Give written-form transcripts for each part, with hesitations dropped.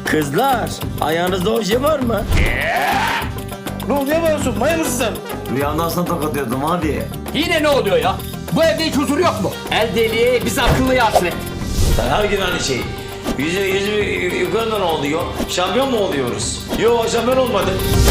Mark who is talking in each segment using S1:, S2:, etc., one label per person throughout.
S1: Kızlar, ayağınızda o şey var mı?
S2: Ne oluyor yapıyorsun? Maya mısın sen?
S1: Rüyamdan sana tokat atıyordum abi.
S3: Yine ne oluyor ya? Bu evde hiç huzur yok mu? El deliği biz akıllıya hasret.
S1: Her gün aynı şey. Yüzü yukarıdan oluyor. Şampiyon mu oluyoruz? Yok, şampiyon olmadı.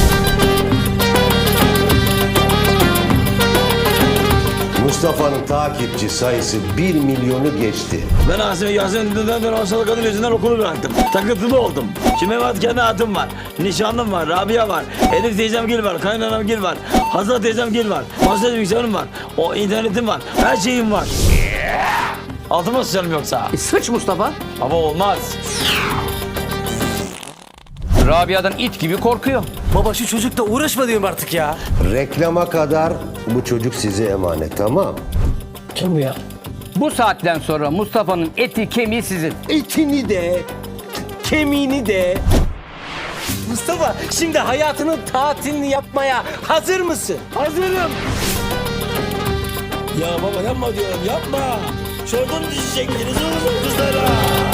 S4: Mustafa'nın takipçi sayısı 1 milyonu geçti.
S1: Ben Yasemin'den ben hastalık kadın yüzünden okulu bıraktım. Takıntılı oldum. Şimdi Mehmet kendi hayatım var. Nişanlım var, Rabia var. Elif teyzemgil var, kaynanamgil var. Hazal teyzemgil var. Masaj bilgisayarım var. O internetim var. Her şeyim var. Altıma sıçarım yoksa.
S3: Sıç Mustafa.
S1: Ama olmaz.
S3: Rabia'dan it gibi korkuyor.
S2: Baba şu çocukla uğraşma diyorum artık ya.
S4: Reklama kadar bu çocuk size emanet, tamam?
S2: Kim bu ya?
S3: Bu saatten sonra Mustafa'nın eti kemiği sizin.
S2: Etini de, kemiğini de. Mustafa şimdi hayatının tatilini yapmaya hazır mısın?
S1: Hazırım. Ya baba yapma diyorum, yapma. Şuradan düşecektiniz oğlum kızlara.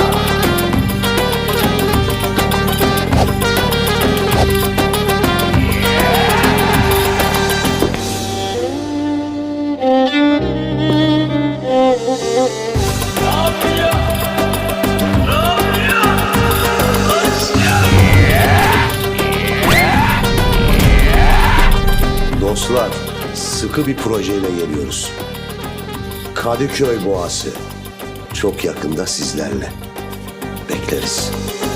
S4: Dostlar, sıkı bir projeyle geliyoruz. Kadıköy Boğası. Çok yakında sizlerle. Bekleriz.